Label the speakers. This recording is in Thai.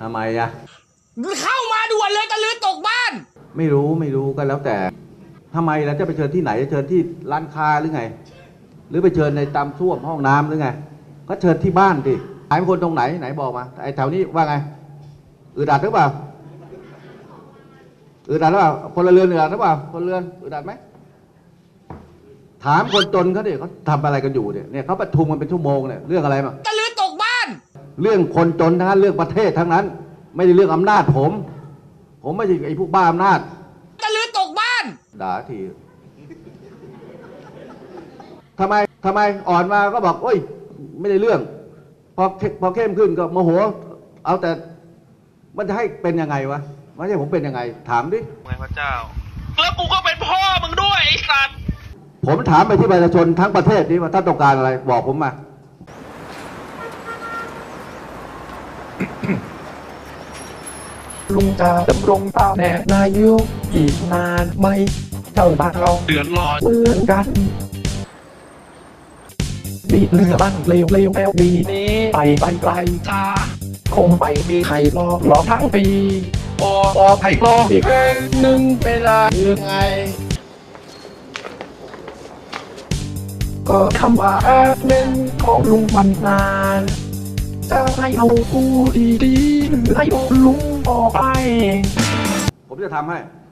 Speaker 1: ทำไมอะ
Speaker 2: เข้ามาด่วนเลยตะลือตกบ้าน
Speaker 1: ไม่รู้ก็แล้วแต่ทำไมแล้วจะไปเชิญที่ไหนจะเชิญที่ร้านค้าหรือไงหรือไปเชิญในตามส้วมห้องน้ำหรือไงก็เชิญที่บ้านดิหายเป็นคนตรงไหนไหนบอกมาไอ้แถวนี้ว่าไงอึดอัดหรือเปล่าอึดอัดหรือเปล่าพลเรือนอึดอัดหรือเปล่าพลเรือนอึดอัดไหมถามคนจนเขาดิเขาทำอะไรกันอยู่เนี่ยเขาประชุมกันเป็นชั่วโมงเนี่ยเรื่องอะไรมา
Speaker 2: ตะลือตกบ้าน
Speaker 1: เรื่องคนจนทั้งนั้นเรื่องประเทศทั้งนั้นไม่ได้เรื่องอำนาจผมไม่ใช่ไอ้พวกบ้าอำนาจ
Speaker 2: ตะลือตกบ้าน
Speaker 1: ด่าทีทำไมอ่อนมาก็บอกโอ้ยไม่ได้เรื่องพอเข้มขึ้นก็โมโหเอาแต่มันจะให้เป็นยังไงวะไม่ใช่ผมเป็นยังไงถามดิ
Speaker 3: ไงพระเจ้าแล้วกูก็เป็นพ่อมึงด้วยไอ้สัตว์
Speaker 1: ผมถามไปที่ประชาชนทั้งประเทศนี้ว่าท่านต้องการอะไรบอกผมมา
Speaker 4: ลุงจะดำรงตำแหน่งนายกอีกนานไหมเจ้าบ้านเรา
Speaker 3: เดือดร้อน
Speaker 4: เหมือนกันบีเรือบ้านเร็วแล้วบีนี้ไปไกลจ้าคงไปมีใครรอทั้งปีรอใครรออีกหนึ่งเวลายังไงก็คำว่าแอดเมนของลุงมันนานจะให้เอากูดีๆหรือให้เอาลุงออกไป
Speaker 1: ผมจะทำให้